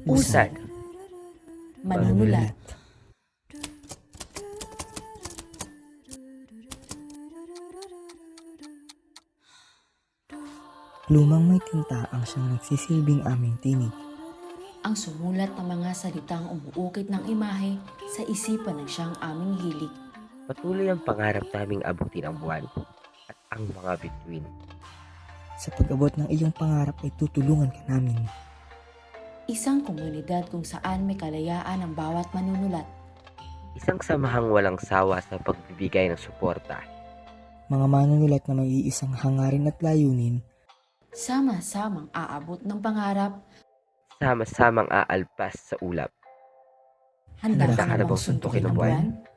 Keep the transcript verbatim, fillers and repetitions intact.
Usad. Manunulat. Lumang may tinta ang siyang nagsisilbing aming tinig. Ang sumulat ng mga salitang umuukit ng imahe sa isipan ng siyang aming hilig. Patuloy ang pangarap naming abutin ang buwan at ang mga bituin. Sa pag-abot ng iyong pangarap ay tutulungan ka namin. Isang komunidad kung saan may kalayaan ang bawat manunulat. Isang samahang walang sawa sa pagbibigay ng suporta. Mga manunulat na may iisang hangarin at layunin. Sama-samang aabot ng pangarap. Sama-samang aalpas sa ulap. Handa Handa ka ka na na bang bang suntukin suntukin ang ang buwan? buwan?